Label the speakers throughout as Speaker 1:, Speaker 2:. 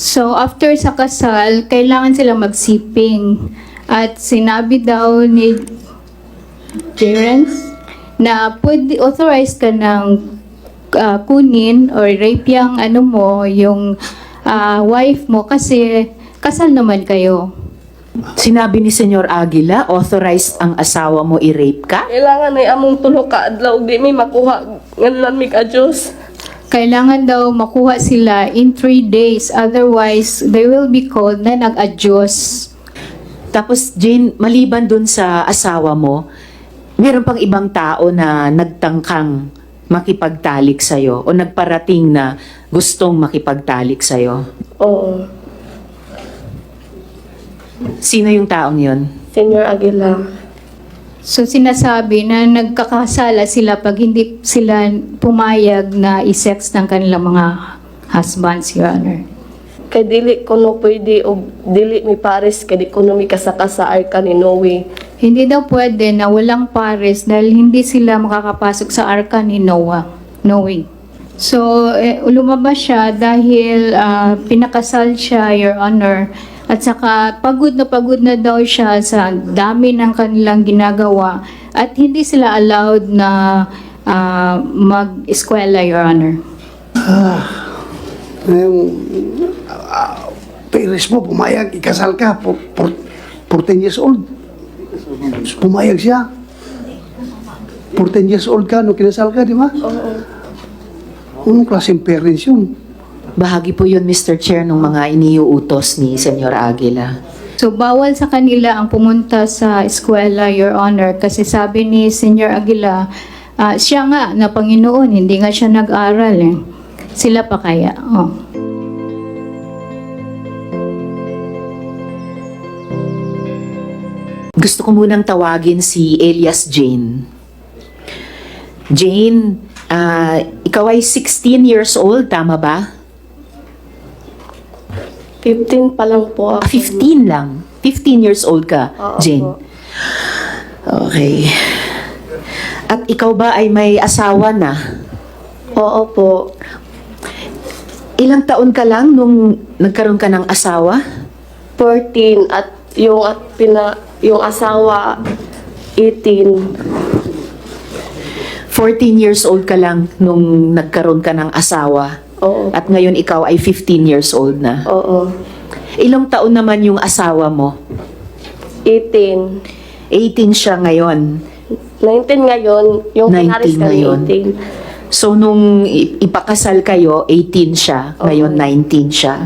Speaker 1: So, after sa kasal, kailangan sila magsiping. At sinabi daw ni Jerence na pwede authorized ka ng kunin or rape yung yung wife mo kasi kasal naman kayo.
Speaker 2: Sinabi ni Senyor Aguila, authorized ang asawa mo i-rape ka?
Speaker 3: Kailangan ay among tulo ka adlaw di may makuha nganlan mi ka Dios.
Speaker 1: Kailangan daw makuha sila in 3 days, otherwise they will be called na nag-adyos.
Speaker 2: Tapos Jane, maliban dun sa asawa mo, meron pang ibang tao na nagtangkang makipagtalik sa'yo o nagparating na gustong makipagtalik sa'yo?
Speaker 3: Oo.
Speaker 2: Sino yung taong yun?
Speaker 3: Senyor Aguila.
Speaker 1: So sinasabi na nagkakasala sila pag hindi sila pumayag na i-sex ng kanilang mga husbands, Your Honor.
Speaker 3: Kay dili ko no pwede og dili mi pares kay di ko no mi kasaka sa arka ni Noe.
Speaker 1: Hindi daw pwede na walang pares dahil hindi sila makakapasok sa arka ni Noah. So, lumabas siya dahil pinakasal siya, Your Honor. At saka pagod na daw siya sa dami ng kanilang ginagawa. At hindi sila allowed na mag-eskwela, Your Honor.
Speaker 4: Paris mo, pumayag, ikasal ka, 14 years old. Pumayag siya. 14 years old ka, nung kinasal ka, di ba?
Speaker 3: Oo.
Speaker 4: Anong klaseng parents yun?
Speaker 2: Bahagi po yun, Mr. Chair, ng mga iniuutos ni Senyor Aguila.
Speaker 1: So, bawal sa kanila ang pumunta sa eskwela, Your Honor, kasi sabi ni Senyor Aguila, siya nga na Panginoon, hindi nga siya nag-aral eh. Sila pa kaya? Oh.
Speaker 2: Gusto ko munang tawagin si Elias Jane. Jane, ikaw ay 16 years old, tama ba?
Speaker 3: 15 pa lang po ako.
Speaker 2: 15 lang. 15 years old ka,
Speaker 3: Oo
Speaker 2: Jane.
Speaker 3: po.
Speaker 2: Okay. At ikaw ba ay may asawa na?
Speaker 3: Oo po.
Speaker 2: Ilang taon ka lang nung nagkaroon ka ng asawa?
Speaker 3: 14 at yung asawa 18.
Speaker 2: 14 years old ka lang nung nagkaroon ka ng asawa.
Speaker 3: Oo.
Speaker 2: At ngayon ikaw ay 15 years old na.
Speaker 3: Oo.
Speaker 2: Ilang taon naman yung asawa mo?
Speaker 3: 18.
Speaker 2: 18 siya ngayon.
Speaker 3: 19 ngayon, yung
Speaker 2: 19
Speaker 3: pinaris kami
Speaker 2: ngayon.
Speaker 3: 18.
Speaker 2: So nung ipakasal kayo, 18 siya. Ngayon 19 siya.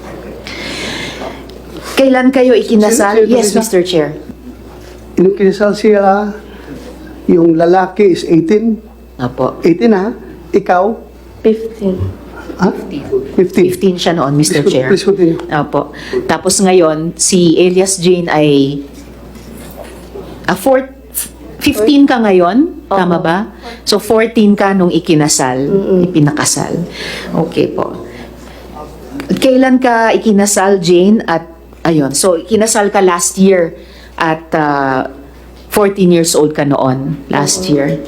Speaker 2: Kailan kayo ikinasal?
Speaker 4: Sino- sino-
Speaker 2: Yes,
Speaker 4: sino-
Speaker 2: Mr. Chair.
Speaker 4: Nung kinasal siya, yung lalaki is 18.
Speaker 2: Apo.
Speaker 4: 18 ha? Ikaw?
Speaker 3: 15.
Speaker 4: Ha? 15.
Speaker 2: 15 siya noon, Mr.
Speaker 4: Please,
Speaker 2: Chair.
Speaker 4: please continue.
Speaker 2: Apo. Tapos ngayon, si Elias Jane ay 15 ka ngayon, tama
Speaker 3: Oo.
Speaker 2: ba? So 14 ka nung ikinasal, ipinakasal. Okay po. Kailan ka ikinasal, Jane? At ayun, so ikinasal ka last year at 14 years old ka noon, last year.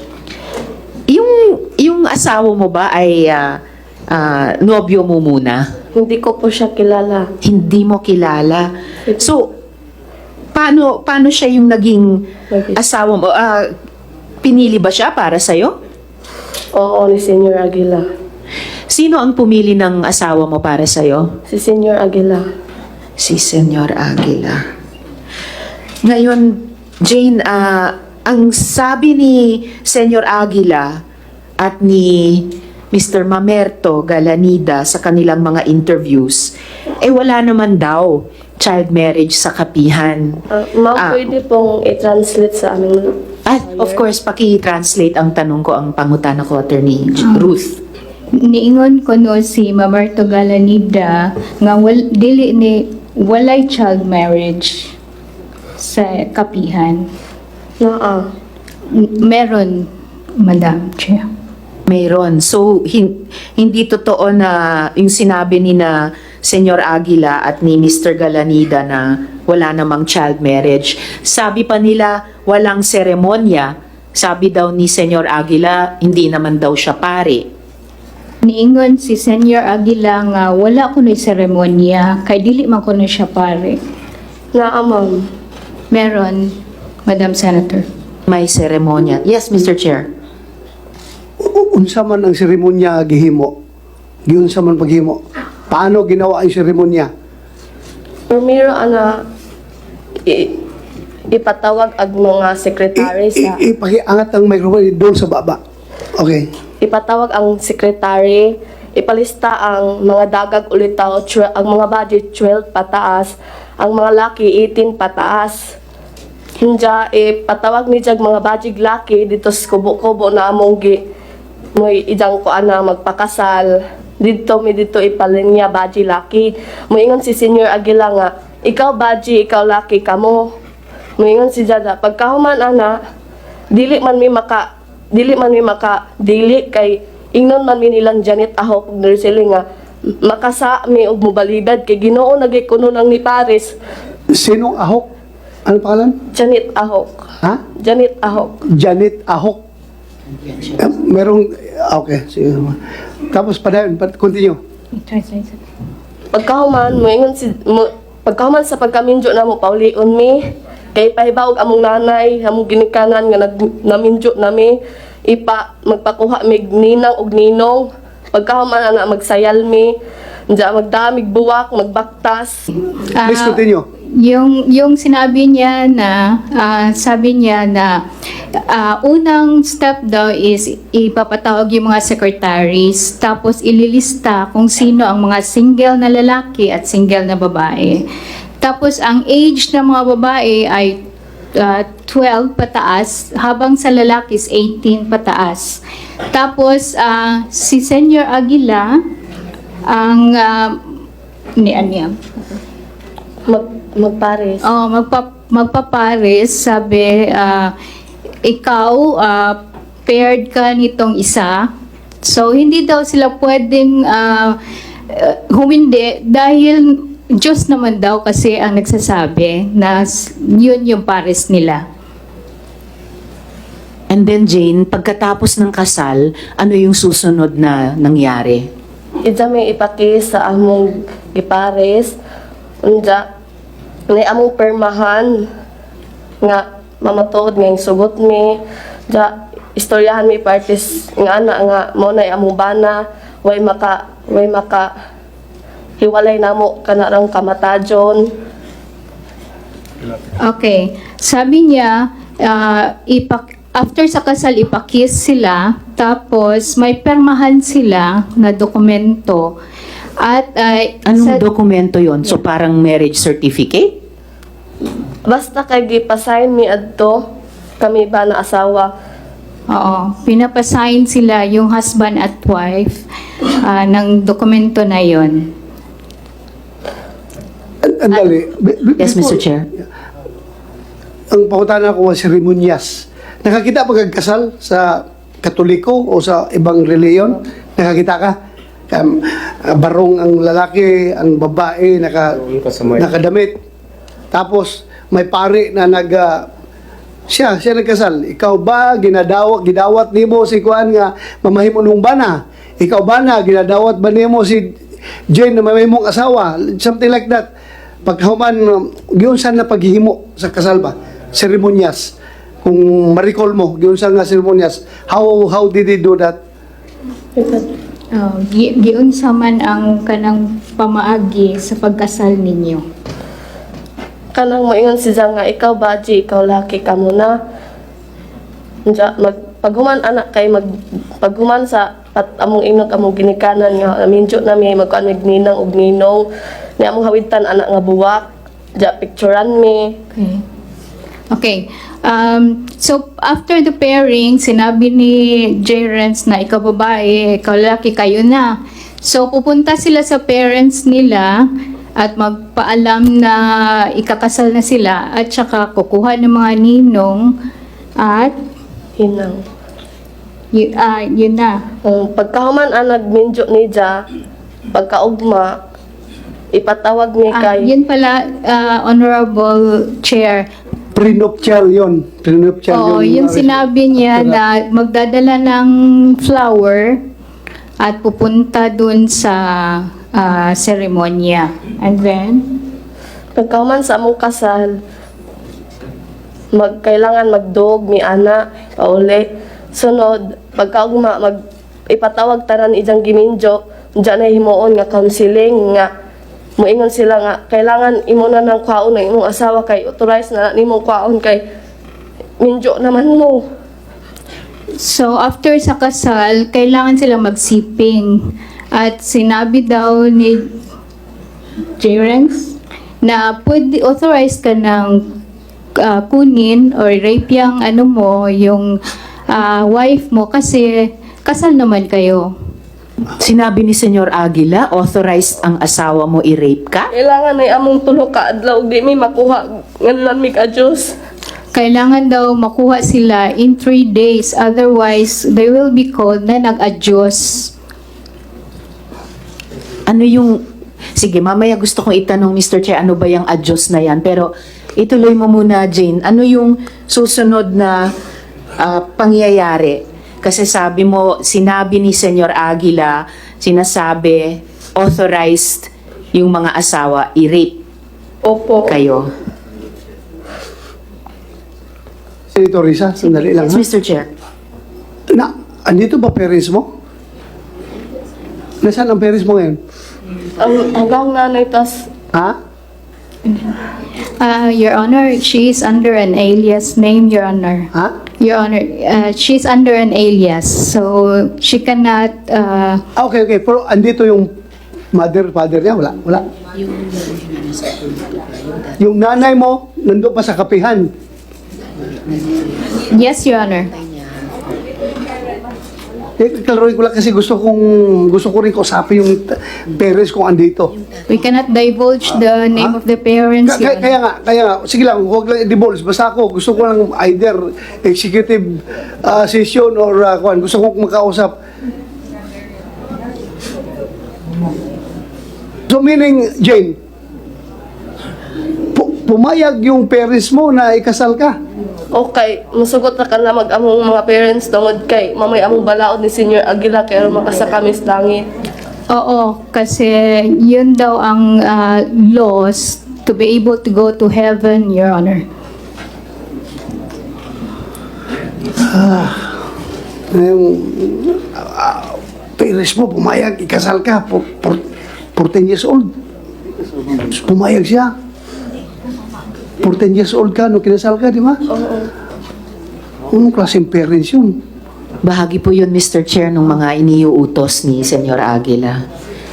Speaker 2: Yung asawa mo ba ay nobyo mo muna?
Speaker 3: Hindi ko po siya kilala.
Speaker 2: Hindi mo kilala. So, paano siya yung naging asawa mo? Pinili ba siya para sa'yo?
Speaker 3: Oo, ni Senyor Aguila.
Speaker 2: Sino ang pumili ng asawa mo para sa'yo?
Speaker 3: Si Senyor Aguila.
Speaker 2: Si Senyor Aguila. Ngayon, Jane, ang sabi ni Senyor Aguila at ni Mr. Mamerto Galanida sa kanilang mga interviews, wala naman daw child marriage sa kapihan.
Speaker 3: Ma'am, pwede pong i-translate sa aming
Speaker 2: At of course, paki-translate ang tanong ko, ang pangutana ko, Attorney Ruth.
Speaker 1: Niingon ko no si Mamerto Galanida nga walay child marriage sa kapihan.
Speaker 3: naa.
Speaker 1: Meron, Madam Chair.
Speaker 2: Mayroon. So, hindi totoo na yung sinabi ni na Senyor Aguila at ni Mr. Galanida na wala namang child marriage. Sabi pa nila, walang seremonya. Sabi daw ni Senyor Aguila, hindi naman daw siya pare.
Speaker 1: niingon si Senior Aguila nga wala kuno'y seremonya, kay dili man kuno siya pare.
Speaker 3: Naa, ma'am.
Speaker 1: Meron, Madam Senator.
Speaker 2: May seremonya. Yes, Mr. Chair.
Speaker 4: Unsa man ang seremonya gihimo? Giunsa man paghimo? Paano ginawa ang seremonya?
Speaker 3: Primero, ipatawag ang mga sekretary sa...
Speaker 4: Ipakiangat ang microphone doon sa baba. Okay.
Speaker 3: Ipatawag ang sekretary, ipalista ang mga dagag ulitaw, ang mga budget 12 pataas, ang mga laki 18 pataas. Hinja, ipatawag ni jag mga budget laki dito sa kubo-kubo na among mo'y idang ko ana magpakasal. Dito ipalinya budget laki. Moingon si Senior Aguila nga, ikaw budget, ikaw laki kamo. Moingon si Jada, pagkahuman ana, dili kay ingnon man mi nilang Janet Ahok nursing nga makasa mi og mobalibad kay Ginoo nagay kuno nang ni Paris.
Speaker 4: Sinong Ahok? Ano pangalan?
Speaker 3: Janet Ahok.
Speaker 4: Ha?
Speaker 3: Janet Ahok.
Speaker 4: Janet Ahok. Merong, okay. Sige. Tapos continue.
Speaker 3: Pagkahuman sa pagkaminjo na mo paulion mi kay pahibaw among nanay among ginikanan nga naminjo nami magpakuha mig ninang og ninong pagkahuman ana magsayal mi diya magdamig buwak magbaktas.
Speaker 4: Please continue.
Speaker 1: Yung sinabi niya na, sabi niya na unang step daw is ipapatawag yung mga secretaries, tapos ililista kung sino ang mga single na lalaki at single na babae. Tapos ang age ng mga babae ay 12 pataas, habang sa lalaki is 18 pataas. Tapos si Senior Aguila, ang
Speaker 3: Magpares.
Speaker 1: Oh, magpapares, sabi, ikaw, paired ka nitong isa. So, hindi daw sila pwedeng humindi dahil Diyos naman daw kasi ang nagsasabi na yun yung pares nila.
Speaker 2: And then, Jane, pagkatapos ng kasal, ano yung susunod na nangyari?
Speaker 3: Ija may ipakis sa among gipares. Unja, may among permahan nga mamatuod nga yung sugot mi. Ja, istoryahan mi parties nga ana nga mo na among bana way maka hiwalay namo kanarang kamatajon.
Speaker 1: Okay. Sabi niya, after sa kasal, ipakis sila, tapos may permahan sila na dokumento. At
Speaker 2: Anong dokumento yon? So, parang marriage certificate?
Speaker 3: Basta kay gipasign mi adto kami ba na asawa.
Speaker 1: Oo, pinapasign sila yung husband at wife ng dokumento na yon.
Speaker 4: Andali.
Speaker 2: Yes, Mr. Chair.
Speaker 4: Ang pangutana ko was seremonyas. Nakakita pa kag kasal sa Katoliko o sa ibang reliyon? Nakakita ka? Barong ang lalaki, ang babae, nakadamit. Tapos, may pari na siya nagkasal. Ikaw ba, gidawat nimo si Kuan nga mamahimo nung bana? Ikaw ba na, ginadawat ba nimo si Jane na mamahimong asawa? Something like that. Pagkahuman, giyon saan na paghihimo sa kasal ba? Seremonyas. Kung ma-recall mo, giyon saan nga seremonyas. How did he do that?
Speaker 1: Giunsa man ang kanang pamaagi sa pagkasal ninyo.
Speaker 3: Kanang moingon si Zang nga ikaw baji, ikaw laki ka muna. Diya, paghuman anak kay paghuman sa among inot among ginikanan nga minjo na mi magkuan mig ninang og ninong ni among hawitan anak nga buwak. Diya picturean mi.
Speaker 1: Okay. So, after the pairing, sinabi ni J. Renz na ikaw babae, ikaw lalaki, kayo na. So, pupunta sila sa parents nila at magpaalam na ikakasal na sila at saka kukuha ng mga ninong at
Speaker 3: Hinang.
Speaker 1: yun na.
Speaker 3: Pagkahuman anak minjo ni Ja, pagkaugma ipatawag ni kay
Speaker 1: Yun pala, Honorable Chair.
Speaker 4: Prenuptial yun. Prenuptial
Speaker 1: Oo, yung sinabi niya na magdadala ng flower at pupunta dun sa seremonya. And then,
Speaker 3: Pagkahuman sa among kasal, kailangan magdog, mi ana, pauli. Sunod, pagkaugma, ipatawag tanan ijang giminjo, dyan na himuon nga counseling, nga muingon sila nga, kailangan imo na ng kwaon ng imong asawa kay authorize na nimong kwaon kay minjo naman mo.
Speaker 1: so after sa kasal, kailangan silang magsiping. At sinabi daw ni J-Rex na pwede authorize ka ng kunin or rape yung ano mo, yung wife mo kasi kasal naman kayo.
Speaker 2: Sinabi ni Senyor Aguila, authorized ang asawa mo i-rape ka?
Speaker 3: Kailangan ay among tulo ka adlaw, di mi makuha, ngalan mi ka-Diyos.
Speaker 1: Kailangan daw makuha sila in 3 days, otherwise they will be called na nag-adyos.
Speaker 2: Ano yung... Sige, mamaya gusto kong itanong, Mr. Chair, ano ba yung adjust na yan? Pero ituloy mo muna, Jane. Ano yung susunod na pangyayari? Kasi sabi mo, sinabi ni Senyor Aguila, sinasabi, authorized yung mga asawa i-rape
Speaker 3: Opo.
Speaker 2: kayo.
Speaker 4: Senator Risa, sandali lang
Speaker 2: Yes,
Speaker 4: ha.
Speaker 2: Mr. Chair.
Speaker 4: Andito ba parents mo? Nasaan ang parents mo ngayon?
Speaker 3: Hanggang nanay tas
Speaker 4: Ha?
Speaker 1: Your Honor, she is under an alias name, Your Honor.
Speaker 4: Ha?
Speaker 1: Your Honor, she's under an alias, so she cannot.
Speaker 4: Okay. Pero andito yung father niya? Wala. Yung nanay mo, nandun pa sa kapihan.
Speaker 1: Yes, Your Honor.
Speaker 4: Klaruin ko lang kasi gusto ko rin kausapin yung parents kung andito.
Speaker 1: We cannot divulge the name of the parents, Your Honor.
Speaker 4: Kaya nga, sige lang, huwag lang i-divulge. Basta ako, gusto ko lang either executive session or gusto ko makausap. So meaning, Jane, pumayag yung parents mo na ikasal ka.
Speaker 3: okay, masugot na ka na mag-among mga parents tungod kay mamay among balaod ni Senior Aguila kay aron makasa kami sa langit.
Speaker 1: Oo, kasi yun daw ang laws to be able to go to heaven, Your Honor.
Speaker 4: Yung parents mo, pumayag, ikasal ka, 14 years old. Pumayag siya. 14 years old ka, no, kinasal ka, di ba?
Speaker 3: Oo.
Speaker 4: Anong klaseng parents yun?
Speaker 2: Bahagi po yun, Mr. Chair, ng mga iniuutos ni Senyor Aguila.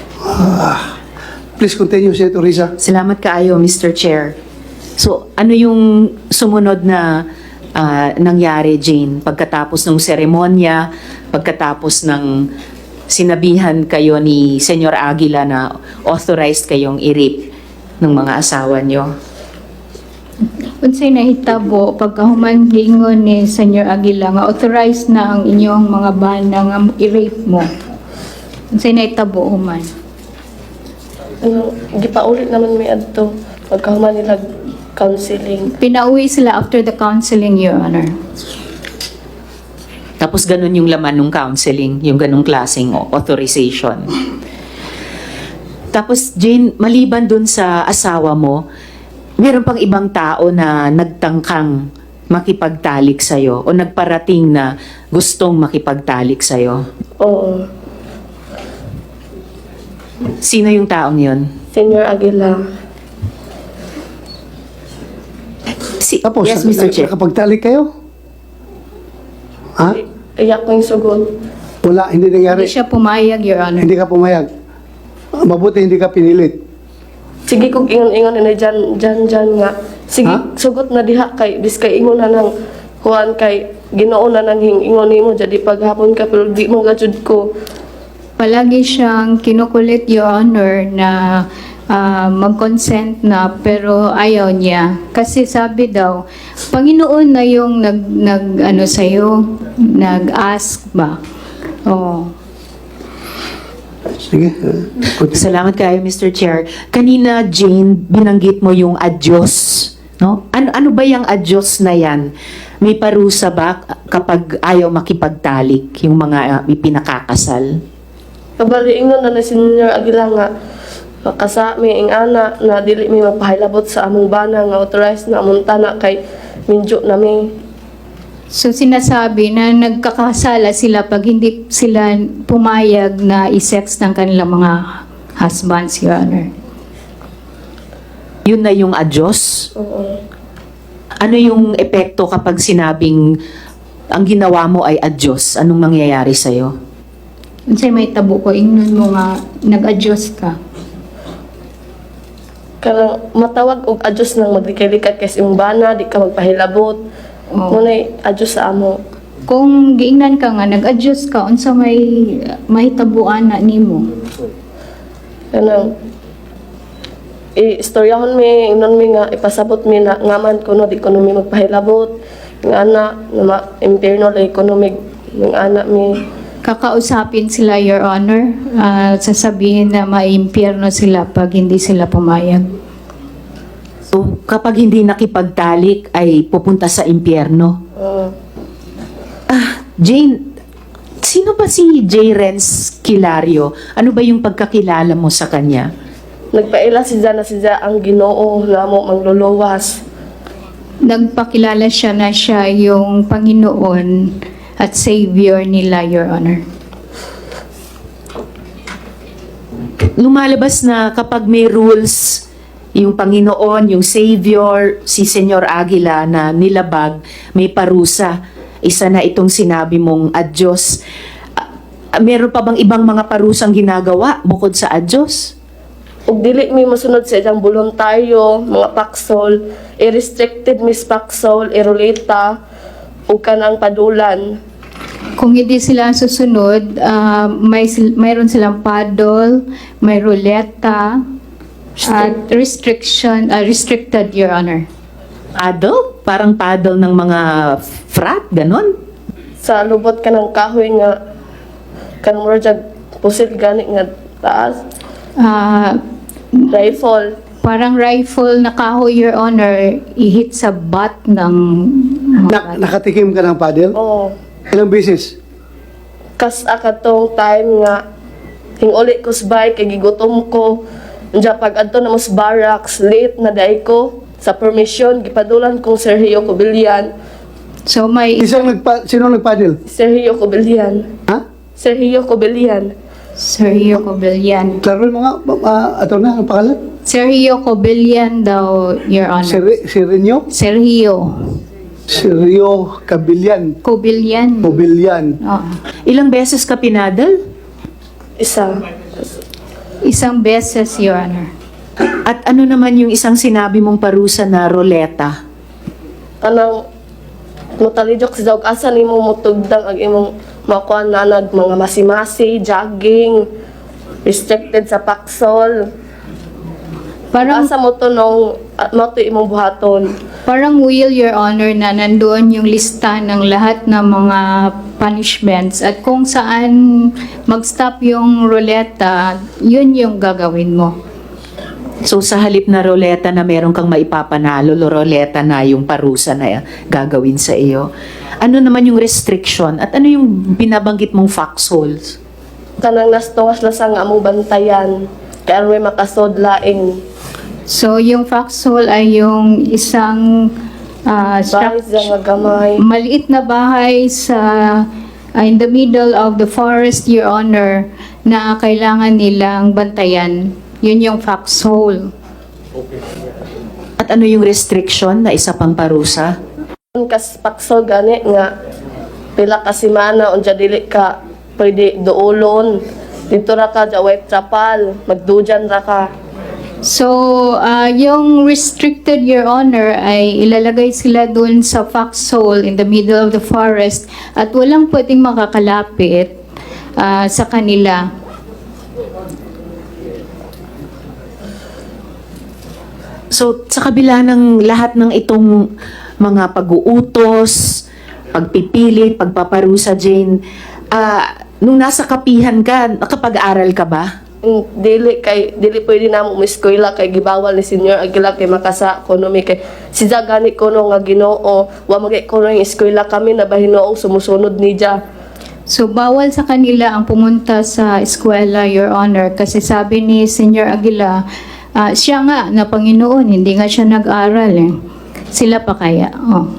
Speaker 4: Please continue, Senator Risa.
Speaker 2: Salamat kaayo, Mr. Chair. So, ano yung sumunod na nangyari, Jane? Pagkatapos ng seremonya, pagkatapos ng sinabihan kayo ni Senyor Aguila na authorized kayong i-rape ng mga asawa nyo?
Speaker 1: Unsay nahitabo pagkahuman giingon ni Senyor Aguila nga authorized na ang inyong mga bana nga i-rape mo. Unsay nahitabo human?
Speaker 3: Gipaulit naman may adto pagkahuman nila counseling.
Speaker 1: Pinauwi sila after the counseling, Your Honor.
Speaker 2: Tapos ganun yung laman ng counseling, yung ganung klaseng authorization. Tapos, Jane, maliban dun sa asawa mo, meron pang ibang tao na nagtangkang makipagtalik sa'yo o nagparating na gustong makipagtalik sa'yo.
Speaker 3: Oo.
Speaker 2: Sino yung taong yun?
Speaker 3: Senior Aguila.
Speaker 4: Tapos,
Speaker 2: yes, Mr. Chair.
Speaker 4: nakapagtalik kayo? Ha?
Speaker 3: Iyak ko yung sugod.
Speaker 4: Wala, hindi nangyari.
Speaker 1: Hindi siya pumayag, Your Honor.
Speaker 4: Hindi ka pumayag. Mabuti hindi ka pinilit.
Speaker 3: Sige kung ingon-ingon na dyan nga. Sige,
Speaker 4: Ha?
Speaker 3: sugot na diha kay biskay ingon na nang kuan kay Ginoo na nang ingon nimo jadi paghapon ka pero di mo gajud ko.
Speaker 1: Palagi siyang kinukulit, Your Honor, na mag-consent na pero ayaw niya. Kasi sabi daw, Panginoon na yung nag sa'yo, nag-ask ba? Oh.
Speaker 4: Sige. Continue.
Speaker 2: Salamat kayo, Mr. Chair. Kanina, Jane, binanggit mo yung adyos. No? Ano ba yung adyos na yan? May parusa ba kapag ayaw makipagtalik yung mga ipinakakasal?
Speaker 3: Kabaliingon na ni Senior Aguila nga kasami ing ana na dili mi magpahilabot sa among bana nga authorized na among tanak kay minjo na mi.
Speaker 1: So sinasabi na nagkakasala sila pag hindi sila pumayag na i-sex ng kanilang mga husbands, Your Honor.
Speaker 2: Yun na yung adyos?
Speaker 3: Oo.
Speaker 2: Ano yung epekto kapag sinabing ang ginawa mo ay adyos? Anong mangyayari sa'yo?
Speaker 1: Unsay may tabo ko, ingnon mo nga nag-adjust ka.
Speaker 3: Kanang matawag og adjust nang maglikay-likat kay sa imong bana, di ka magpahilabot.
Speaker 1: Oo.
Speaker 3: Munay adjust sa amo.
Speaker 1: Kung giingnan ka nga, nag-adjust ka, unsa may tabuan na nimo.
Speaker 3: Kanang i-istoryahon mi, ingnon mi nga ipasabot mi na ngaman kuno di kuno mi magpahilabot. Ng ana na impierno la economic ng ana mi.
Speaker 1: Kakausapin sila, Your Honor, sasabihin na maimpyerno sila pag hindi sila pumayag.
Speaker 2: So, kapag hindi nakipagtalik ay pupunta sa impyerno. Jane, sino ba si J. Renz Kilario? Ano ba yung pagkakilala mo sa kanya?
Speaker 3: Nagpaila na siya ang Ginoo nga mo mangluluwas.
Speaker 1: Nagpakilala siya na siya yung Panginoon at Savior nila, Your Honor.
Speaker 2: Lumalabas na kapag may rules, yung Panginoon, yung Savior, si Senyor Aguila na nilabag, may parusa. Isa na itong sinabi mong adyos. Meron pa bang ibang mga parusang ginagawa bukod sa adyos?
Speaker 3: Ug dili mi mosunod sa ilang voluntaryo, mga paksol, i-restricted mis paksol, irulita, ug kanang padulan.
Speaker 1: Kung hindi sila susunod, mayroon silang paddle, may ruleta, at restricted, Your Honor.
Speaker 2: Paddle? Parang paddle ng mga frat, ganon?
Speaker 3: Sa lubot ka ng kahoy nga, kanang mura dyan, pusit gani nga taas,
Speaker 1: Ah,
Speaker 3: rifle.
Speaker 1: parang rifle na kahoy, Your Honor, i-hit sa butt ng mga
Speaker 4: Nakatikim ka ng paddle?
Speaker 3: Oo.
Speaker 4: Ilang beses?
Speaker 3: Kas akatong time nga, hinguli ko sa bike, kay gigutom ko. Diya pag adto na mas barracks, late na day ko. Sa permission, gipadulan kong Sergio Cobillan.
Speaker 1: So may
Speaker 4: Sino nagpaddle?
Speaker 3: Sergio Cobillan.
Speaker 4: Ha?
Speaker 3: Sergio Cobillan.
Speaker 1: Sergio Cobillan.
Speaker 4: Klaro mo nga, ato na, ang pangalan?
Speaker 1: Sergio Cobillan daw, Your Honor.
Speaker 4: Sirenyo? Sergio Cabillan.
Speaker 1: Cobillan.
Speaker 4: Mobilyan.
Speaker 1: Oo.
Speaker 2: Ilang beses ka pinadal?
Speaker 3: Isa.
Speaker 1: Isang beses, Your Honor.
Speaker 2: At ano naman yung isang sinabi mong parusa na roleta?
Speaker 3: Kanang mutalijok sa daog asa nimo mutugdang ang imong makuha na mga masimasi, jogging, restricted sa paksol.
Speaker 1: Parang
Speaker 3: Asa mo to nung mo to imong buhaton.
Speaker 1: Parang will, Your Honor, na nandoon yung lista ng lahat ng mga punishments at kung saan mag-stop yung ruleta, yun yung gagawin mo.
Speaker 2: So sa halip na roleta na meron kang maipapanalo, roleta na yung parusa na gagawin sa iyo. Ano naman yung restriction at ano yung binabanggit mong foxholes?
Speaker 3: Kanang nastungas na sa nga among bantayan. Kaya may makasod laing
Speaker 1: So, yung foxhole ay yung isang
Speaker 3: bahay sa nga gamay.
Speaker 1: maliit na bahay sa in the middle of the forest, Your Honor, na kailangan nilang bantayan. Yun yung foxhole.
Speaker 2: At ano yung restriction na isa pang parusa?
Speaker 3: Kas paksol gani nga pila ka semana unja dili ka pwede duolon. Dito ra ka sa White Chapel, magdujan ra ka.
Speaker 1: So, yung restricted, Your Honor, ay ilalagay sila dun sa foxhole in the middle of the forest at walang pwedeng makakalapit sa kanila.
Speaker 2: So sa kabila ng lahat ng itong mga pag-uutos, pagpipilit, pagpaparusa, Jane, nung nasa kapihan ka, nakapag-aral ka ba?
Speaker 3: Dili pwede na mo eskwela kay gibawal ni Senior Aguila kay makasa ekonomi kay si gani kuno nga Ginoo wa magay kuno yung eskwela kami na bahinoong sumusunod ni Dia.
Speaker 1: So, bawal sa kanila ang pumunta sa eskwela, Your Honor, kasi sabi ni Senior Aguila, siya nga na Panginoon, hindi nga siya nag-aral eh. Sila pa kaya? Oh.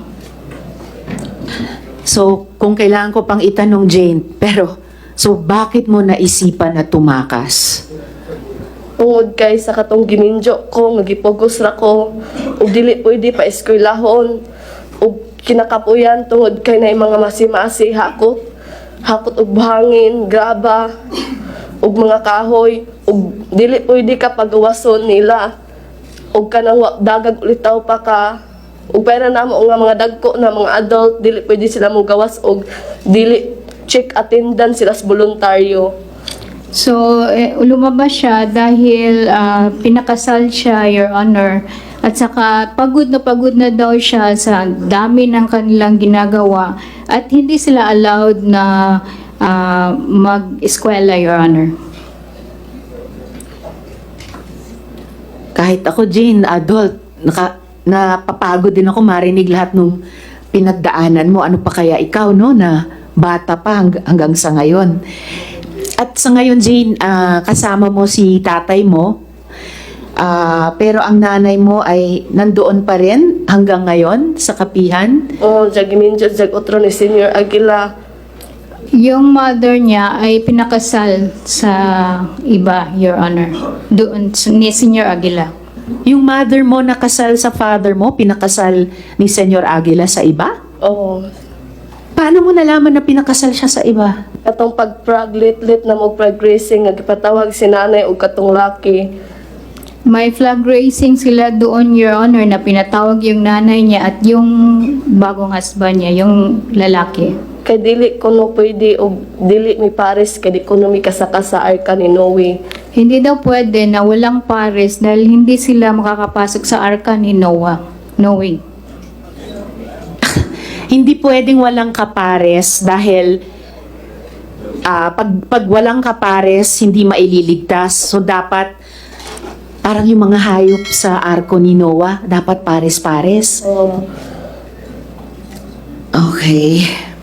Speaker 2: So, kung kailangan ko pang itanong, Jane, pero, so bakit mo naisipan na tumakas?
Speaker 3: Tungod kay sa katong giminjo ko, magipugos ra ko, ug dili pwede pa eskwelahon, ug kinakapuyan tungod kay na mga masimasi hakot og buhangin, graba, ug mga kahoy, ug dili pwede ka pagawason nila, ug kanang dagag ulitaw pa ka, ug pera namo nga mga dagko na mga adult, dili pwede sila mo gawas, ug dili check attendance sila sa voluntaryo.
Speaker 1: So, lumabas siya dahil pinakasal siya, Your Honor. At saka pagod na daw siya sa dami ng kanilang ginagawa. At hindi sila allowed na mag-eskwela, Your Honor.
Speaker 2: Kahit ako, Jane, adult, napapagod din ako marinig lahat nung pinagdaanan mo. Ano pa kaya ikaw, no, na bata pa hanggang sa ngayon. At sa ngayon, Jane, kasama mo si tatay mo, pero ang nanay mo ay nandoon pa rin hanggang ngayon sa kapihan.
Speaker 3: Giminjo, otro ni Senior Aguila.
Speaker 1: Yung mother niya ay pinakasal sa iba, Your Honor. Doon, ni Senior Aguila.
Speaker 2: Yung mother mo nakasal sa father mo, pinakasal ni Senyor Aguila sa iba?
Speaker 3: Oo.
Speaker 2: Paano mo nalaman na pinakasal siya sa iba?
Speaker 3: Katong pag-lit na mo progressing, nagpatawag si nanay o katong laki.
Speaker 1: May flag raising sila doon, Your Honor, na pinatawag yung nanay niya at yung bagong husband niya, yung lalaki.
Speaker 3: Kay dili ko no pwede o dili mi pares, kay di ko no mi kasaka sa arka ni Noe.
Speaker 1: Hindi daw pwede na walang pares dahil hindi sila makakapasok sa arka ni Noah. No way.
Speaker 2: Hindi pwedeng walang kapares dahil pag walang kapares, hindi maililigtas. So dapat, parang yung mga hayop sa arko ni Noah, dapat pares-pares. Okay.